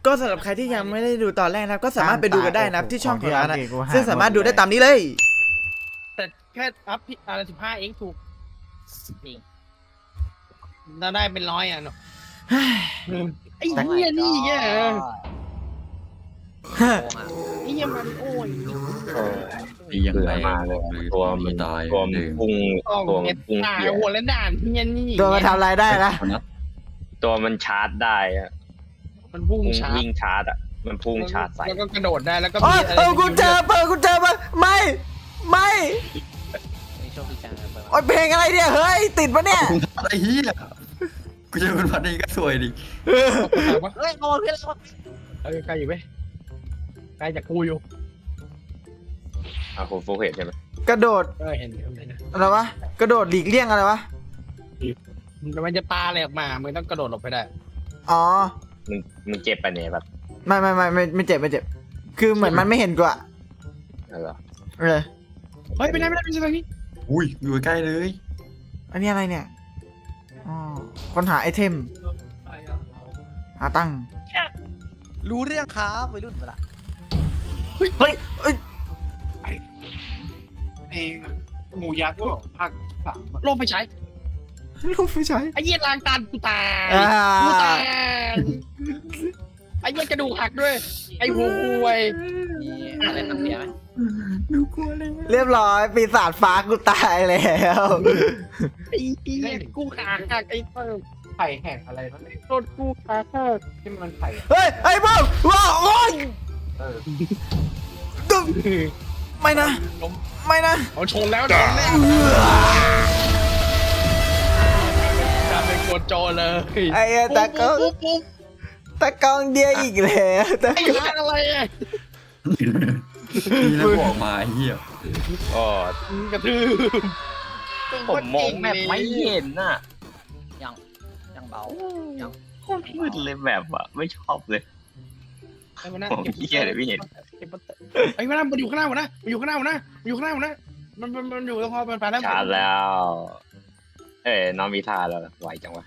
ก็สำหรับใครที่ยังไม่ได้ดูตอนแรกนะครับก็สามารถไปดูกันได้นะครับที่ช่องของเรานะซึ่งสามารถดูได้ตามนี้เลยแต่แค่อัพอะไร15เองถูกจริงเราได้เป็น100อ่ะเนาะไอ้เหี้ยนี่ไงไอ้เหี้ยมันโอ้ยยังไงมาเลยตัวมันตายตัวมันพุ่งตัวมันพุ่งเกี่ยวหัวและด่านเหี้ยนี่ตัวมันทำอะไรได้นะตัวมันชาร์จได้อะมันพุ่งชาร์จวิ่งชาร์จอ่ะมันพุ่งชาร์จใส่แล้วก็กระโดดได้แล้วก็มีอะไรกูเจอมาไม่โอ้ยเพลงอะไรเนี่ยเฮ้ยติดปะเนี่ยไอ้เหี้ยกูเจอคนพันนี้ก็สวยดิเฮ้ยโง่เพื่อนเราใกล้อยู่ไหมใกล้จากกูอยู่คุณฟุกเห็นใช่ไหมกระโดดเห็นอะไรวะกระโดดหลีกเลี่ยงอะไรวะมันจะปาอะไรออกมามึงต้องกระโดดหลบไปได้อ๋อมึงเจ็บไปเนี่ยแบบไม่เจ็บคือเหมือนมันไม่เห็นกูอะเหรอเฮ้ยไม่ได้ตรงนี้อุ้ยอยู่ใกล้เลยอันนี้อะไรเนี่ยอ๋อค้นหาไอเทมหาตั้งรู้เรื่องครับวัยรุ่นเวลาเฮ้ยเพลงหมูยักษ์ก็ภาค3ลงไปใช้ไอ้เหี้ยล้างตากูตายไอ้เหี้ยกระดูกหักด้วยไอ้หัวอะไรตั้งเสียไหมเรียบร้อยปีศาจฟ้ากูตายแล้วไอ้เหี้ยกูขาหักไอ้ไข่แหกอะไรนั่นโดนกูขาหักที่มันไข่เฮ้ยไอ้บ้าว้าโอ้ยไม่นะเอาชนแล้วเป็นโกโจเลยไอ้ตะกองเดียอีกแล้วไอ้อะไรอ่ะนี่แล้วบอกมาเหี้ยกระทืบผมมองแบบไม่เห็นน่ะยังเบายังโคตรมืดเลยแบบอ่ะไม่ชอบเลยผมเหี้ยเลยพี่เห็นไอ้มันอยู่ข้างหน้าหมดนะมันอยู่ตรงพอมันไปแล้วชาร์จแล้ว น้องมีท่าแล้วไหวจังวะ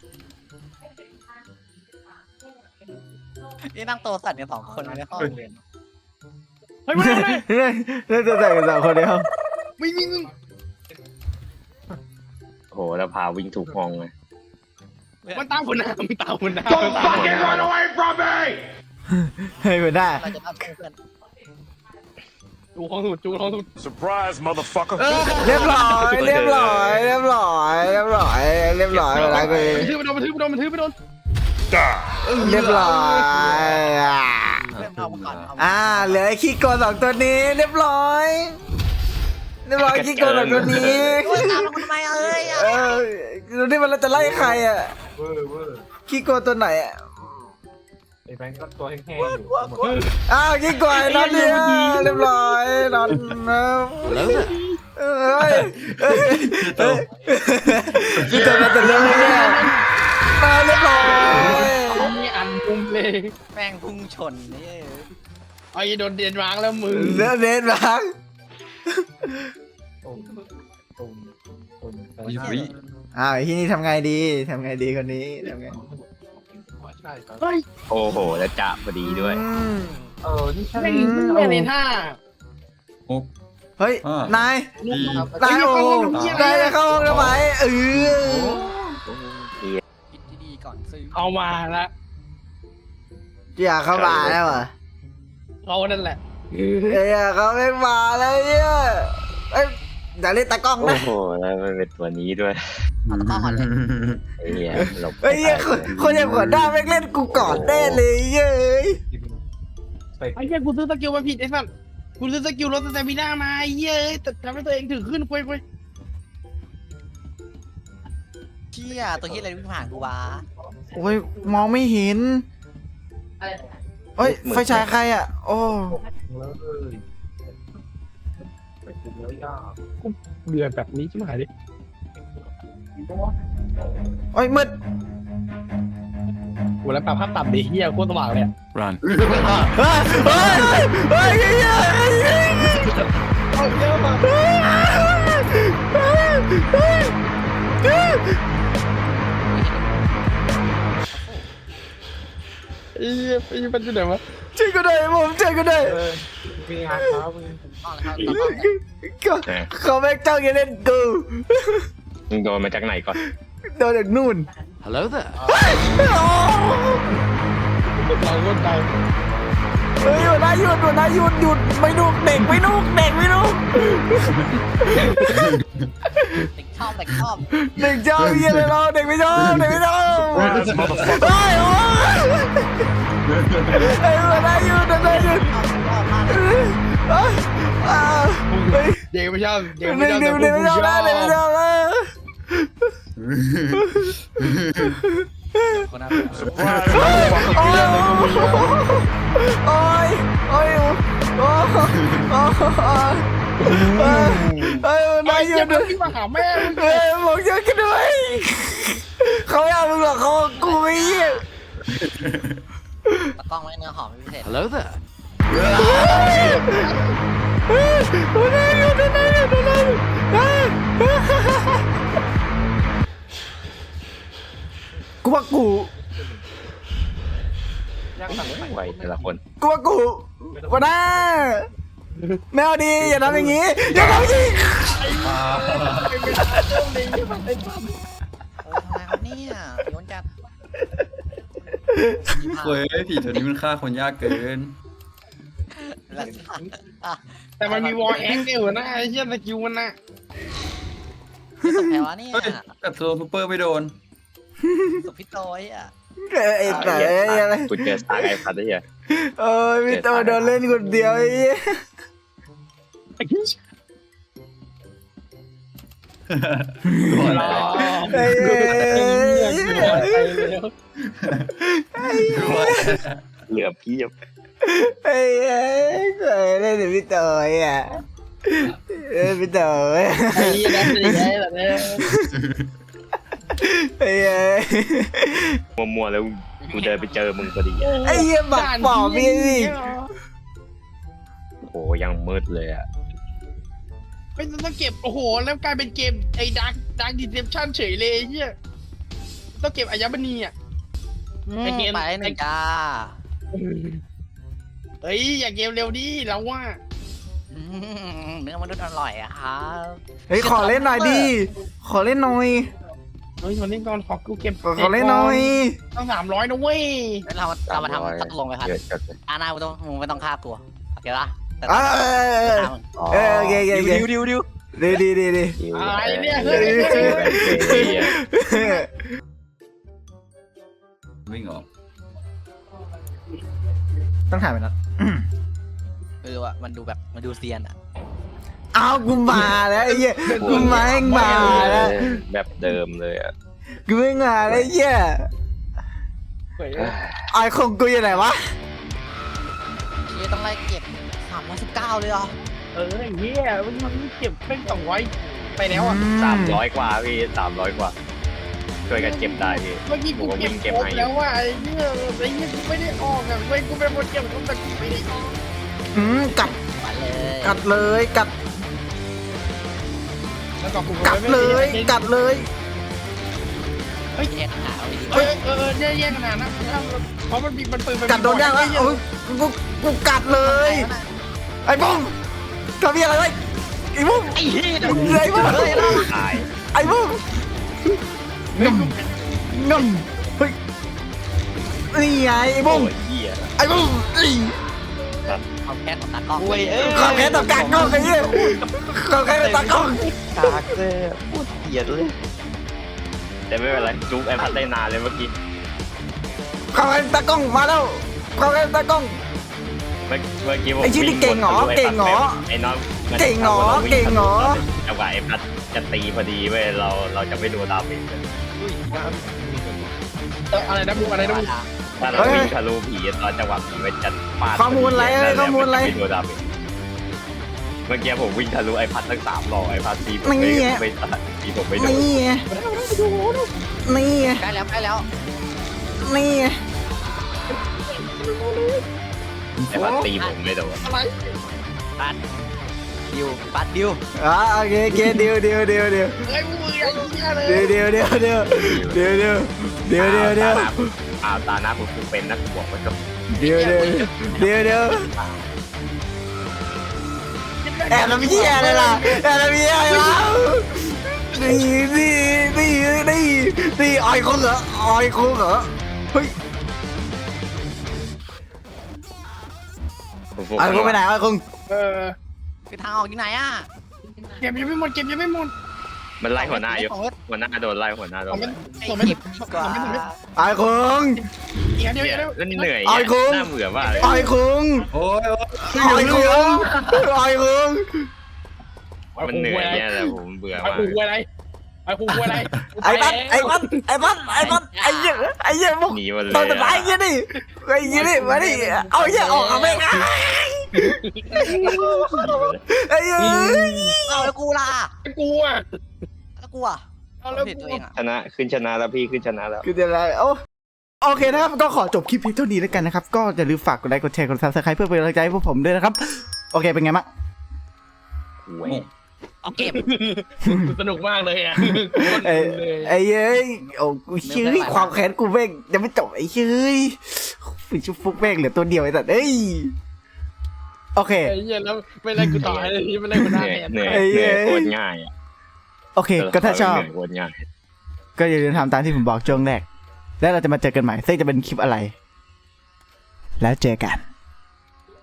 นี่นั่งโตสั่นกัน2 คนในห้องเรียนเฮ้ยมาน่าจะใส่กัน2 คนในห้องวิ่งโหแล้วพาวิ่งถูกห้องเลยมันตามคนหน้า Don't fucking run away from me ให้มันได้เราจะรับเพื่อนจูห้องสุด Surprise motherfucker เรียบร้อยเวลากูมันทืบไปโดนเรียบร้อยเพื่อนเอาก่อนเหลือขี้โกง2 ตัวนี้เรียบร้อยขี้โกง2 ตัวนี้ตามมาทำไมดูนี่มันเราจะไล่ใครอ่ะขี้โกงตัวไหนอ่ะไอ้แบงค์ก็ตัวแห้งๆอยู่ขี้โกงนอนเนี่ยเรียบร้อยนอนพี่ตัวนั้นจะเริ่มแล้วมาเรียบร้อยมีอันมุมเลยแม่งพุ่งชนนี่ไอ้โดนเดียนวางแล้วมึงเดินวางที่นี่ทำไงดีคนนี้ทำไงโอ้โหแล้วจับพอดีด้วยนี่ใช่ไม่ในท่าเฮ้ยนายจะเข้าห้องทำไมคิดดีก่อนซื้อเอามาละอยากเข้ามาแล้วอ่ะเรานั่นแหละเขาไม่มาเลยเนี่ยอย่าเล่นตากล้องนะโอ้โหแล้วมันเป็นตัวนี้ด้วยหลบคนอย่างหัวหน้าแม่งเล่นกูก่อนแน่เลยเย้ยไอ้เหี้ยกูซื้อสกิลมาผิดไอ้สัสกูซื้อสกิลรถสเตมิน่ามาเย้ยแต่ทำให้ตัวเองถึงขึ้นคุยเชี่ยตัวที่อะไรวิ่งผ่านกูวะโอ้ยมองไม่เห็นไฟฉายใครอ่ะโอ้เดือดแบบนี้ใช่ไหมดิมืดกูแล้วปรับภาพต่ำดิเฮียโคตรสว่างเลย Run เไอ้มันอยู่ไหนวะช่วยกูได้ผมช่วยกูได้มีงานเขาต้องเลยครับต้องเลยเขาแม่งจ้องจะเล่นกูมึงโดนมาจากไหนก่อนโดนจากนู่น Hello there. เราก็ตายเฮ้ยหยุดนะหยุดไม่นุกเด็กไม่นุกเด็กไม่นุกเด็กชอบเด็กชอบเด็กชอบเยี่ยเลยเราเด็กไม่ชอบเด็กไม่ชอบ Surprise, motherfucker. เฮ้ยโอ้ยเฮ้ยหยุดนะหยุดชอบมากเลยเฮ้ยเด็กไม่ชอบเด็กเด็ไม่กชอบเด็กไม่ชอบนะเด็กไม่ชอบนะคนนั้น Surprise, motherfucker. โอ้ยโอ้ยโอ้ยโอ้ยเฮ้ยนายหยุดที่มาหาแม่มึงเฮ้ยบอกเยอะกันด้วยเขาไม่เอามึงหรอกเขากูไม่เยี่ยตะกล้องไว้เนื้อหอมพิเศษ Hello there. นายหยุดนายหยุดนายหยุดกูว่ากูไหวแต่ละคนกูว่ากูวันน่าแมวดีอย่าทำอย่างงี้อย่าทำอย่างงี้โอ้ทำไมครับเนี่ยโยนจัดเว้ยผีตัวนี้มันฆ่าคนยากเกินแล้วอ่ะแต่มันมีวอลแอคอยู่นะไอ้เหี้ยสกิลมันนะนี่สุดแพ้วะเนี่ยเฮ้ยกัดโซซูเปอร์ไม่โดนสุดพี่โต้ยอ่ะไอ้แต่อะไรกูเจอสตาร์ไอ้พัดได้ยังเอ้ยพี่โตโดนเล่นคนเดียวไอ้เหี้ยก่อนรอไอ้เหี้ยก่อนเหลือเพียบไอ้เหี้ยเคยเล่นกับพี่โตอ่ะพี่โตไอ้เหี้ยนั่นเป็นยังไงล่ะเนี่ยไอ้เหี้ยมัวๆแล้วกูเดินไปเจอมึงพอดีไอ้เหี้ยบักปอบพี่สิโหยังมืดเลยอ่ะไม่ต้องเก็บโอ้โหแล้วกลายเป็นเกมไอ้ดักดิเซปชั่นเฉยเลยไอ้เหี้ยต้องเก็บอายมณีอ่ะ ไอ้เกมไปหนึ่งจ้าเฮ้ยอย่าเกมเร็วดิเราว่าเนื้อมนุษย์อร่อยอะครับเฮ้ยขอเล่นหน่อยดิขอเล่นหน่อยเฮ้ยคนนี้ก่อนขอกูเก็บขอเล่นหน่อยต้อง300นะเว้ยเรามาทำตัดลงไปครับเยอะจัดเลยอาณามึงไม่ต้องฆ่ากูโอเคปะแต่เออ๋อโอเคโอเคดิวดีดิวอะไรเนี่ยเฮ้ยวิ่งออกต้องถ่ายไปนะว่ามันดูแบบมันดูเซียนอะอ้าวกูมาแล้วไอ้เหี้ยกูมาแม่งมาแล้วแบบเดิมเลยอ่ะกูไม่มาแล้วไอ้เหี้ยเฮ้ยไอ้ของกูอยู่ไหนวะนี่ต้องไล่เก็บ319เลยเหรอไอ้เหี้ยมันเก็บเป็น200ไปแล้วอ่ะ 300 กว่าพี่300 กว่าช่วยกันเก็บได้พี่เมื่อกี้กูเก็บครบแล้วว่าไอ้เหี้ยกูไม่ได้ออกอ่ะเว้ยกูเป็นคนเก็บครบแต่กูไม่ได้ออกกัดไปเลยกัดเลยกัดแล้วก็กูกัดเลยกัดเลยแยกหาเอาดีแยกขนาดนะเพราะมันมีมันปืนกัดโดนยากแล้วโอ้ยกูกัดเลยไอ้บุ้มทำอะไรไว้ไอ้บุ้มไอ้เหี้ยไอ้บุ้มตายไอ้บุ้มงมงมเฮ้ยนี่ไงไอ้บุ้มโอ้ยเหี้ยไอ้บุ้มเอาแค่ของตากล้องความแค้นต่อการกล้องไอ้เหี้ยความแค้นต่อตากล้องกากเลยพูดเกลียดเลยแต่ไม่เป็นไรจุ๊บไอ้พัดได้นานเลยเมื่อกี้ความแค้นตากล้องมาแล้วความแค้นตากล้องเมื่อกี้ผมไอ้ชิ้นนี่เก่งเหรอเก่งเหรอไอ้น้องเก่งเหรอเก่งเหรอจังหวะไอ้พัดจะตีพอดีเว้ยเราจะไม่ดูดาเมจเลยอะไรนะมึงอะไรนะมึงถ้าเราวิ่งทะลุผีตอนจังหวะผีมันจะปาดข้อมูลอะไรข้อมูลอะไรไม่ดูดาเมจเมื่อกี้ผมวิ่งทะลุไอ้พัดทั้ง3 รอบไอ้พัดตีผมไม่ไม่ตัดตีผมไม่โดนนี่ไงนี่ไงใกล้แล้วใกล้แล้วนี่ไงไอ้พัดตีผมไม่โดนอะไรปัดดิวปัดดิวโอเคโอเคเดียวเฮ้ยมึงอย่างเงี้ยเลยเดียวตาหน้าคุณครูเป็นนักบวกมันก็เดี๋ยวแอบน้ำเหี้ยเลยล่ะแอบน้ำเหี้ยเลยล่ะนี่ออยคงเหรอเฮ้ยออยคงไปไหนออยคงคือทางออกที่ไหนอ่ะเก็บยังไม่หมดเก็บยังไม่หมดมันไล่หัวหน้าอยู่ของรถหัวหน้าโดนไล่หัวหน้าโดนส่งไล่ไม่เก็บกว่าออยคงเดี๋ยวแล้วนี่เหนื่อยอ้อยคุ้มน่าเบื่อมากเลยออยคงโอ้ยออยคงมันเหนื่อยเนี่ยแหละผมเบื่อไอ้มากกูอะไรไอ้กูอะไรไอ้บัสไอ้เหี้ยพวกหนีหมดเลยตอนสุดท้ายไอ้เหี้ยนี่มาดิเอาเหี้ยออกไม่ได้ไอ้เหี้ยเอาแล้วกูล่ะกูอ่ะแล้วกูอ่ะเอาแล้วเห็นกูตัวเองอ่ะชนะแล้วพี่ขึ้นชนะแล้วคืออะไรโอเคนะครับก็ขอจบคลิปเพียงเท่านี้แล้วกันนะครับก็อย่าลืมฝากกดไลค์กดแชร์กด Subscribe เพื่อเป็นกำลังใจให้พวกผมด้วยนะครับโอเคเป็นไงบ้างเอาเก็บสนุกมากเลยอ่ะไอ้เอ้ยโอ้กูเชื่อความแค้นกูแม่งยังไม่จบไอ้เชื่อฟิชุบฟุกแม่งเหลือตัวเดียวไอ้สัตว์เอ้ยโอเคไอ้เหี้ยแล้วไม่ไล่กูต่อไอ้ที่ไม่ไล่กูหน้าแทนเหนื่อยโคตรง่ายอ่ะโอเคก็ถ้าชอบโคตรง่ายก็อย่าลืมทำตามที่ผมบอกช่วงแรกแล้วเราจะมาเจอกันใหม่ซึ่งจะเป็นคลิปอะไรแล้วเจอกัน